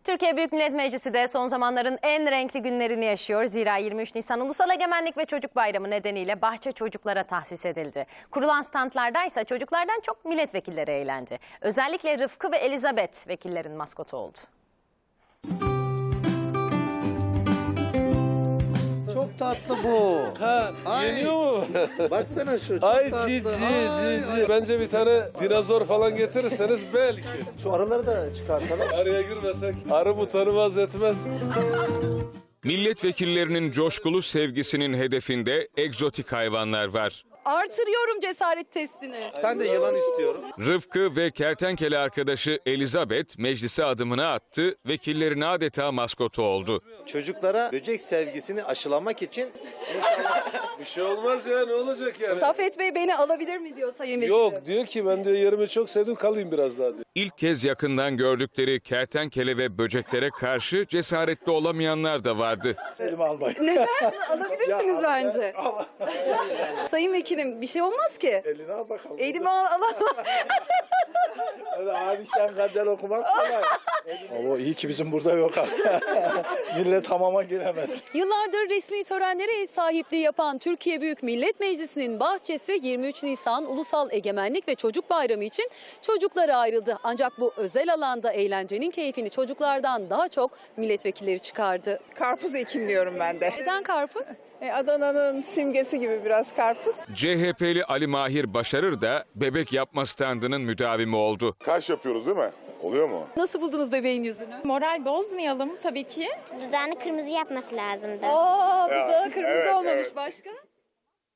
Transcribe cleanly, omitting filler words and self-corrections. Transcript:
Türkiye Büyük Millet Meclisi de son zamanların en renkli günlerini yaşıyor. Zira 23 Nisan Ulusal Egemenlik ve Çocuk Bayramı nedeniyle bahçe çocuklara tahsis edildi. Kurulan standlardaysa çocuklardan çok milletvekilleri eğlendi. Özellikle Rıfkı ve Elizabeth vekillerin maskotu oldu. Çok tatlı bu. Ha, Ay. yeniyor mu? Baksana şu çok Ay tatlı. cici Ay, cici. ay. Bence bir tane dinozor falan getirirseniz belki. Şu araları da çıkartalım. Araya girmesek arı bu tanımaz etmez. Milletvekillerinin coşkulu sevgisinin hedefinde egzotik hayvanlar var. Artırıyorum cesaret testini. Bir tane de yılan istiyorum. Rıfkı ve kertenkele arkadaşı Elizabeth meclise adımını attı, vekillerin adeta maskotu oldu. Çocuklara böcek sevgisini aşılamak için Bir şey olmaz ya, ne olacak yani? Safet Bey beni alabilir mi diyor Sayın Vekilim. Yok, diyor ki ben diyor yerimi çok sevdim, kalayım biraz daha diyor. İlk kez yakından gördükleri kertenkele ve böceklere karşı cesaretli olamayanlar da vardı. elime almayın. Neden? Alabilirsiniz bence. Sayın Vekilim bir şey olmaz ki. Eline al bakalım. Elimi alamam. Öyle abi sen gazel okumak kolay. Ama iyi ki bizim burada yok abi. Millet hamama giremez. Yıllardır resmi törenlere ev sahipliği yapan Türkiye Büyük Millet Meclisi'nin bahçesi 23 Nisan Ulusal Egemenlik ve Çocuk Bayramı için çocuklara ayrıldı. Ancak bu özel alanda eğlencenin keyfini çocuklardan daha çok milletvekilleri çıkardı. Karpuz ekimliyorum ben de. Neden karpuz? Adana'nın simgesi gibi biraz karpuz. CHP'li Ali Mahir Başarır da bebek yapma standının müdavimi oldu. Taş yapıyoruz değil mi? Oluyor mu? Nasıl buldunuz bebeğin yüzünü? Moral bozmayalım tabii ki. Dudağını kırmızı yapması lazımdı. Aa, bu da kırmızı evet, olmamış evet. başka.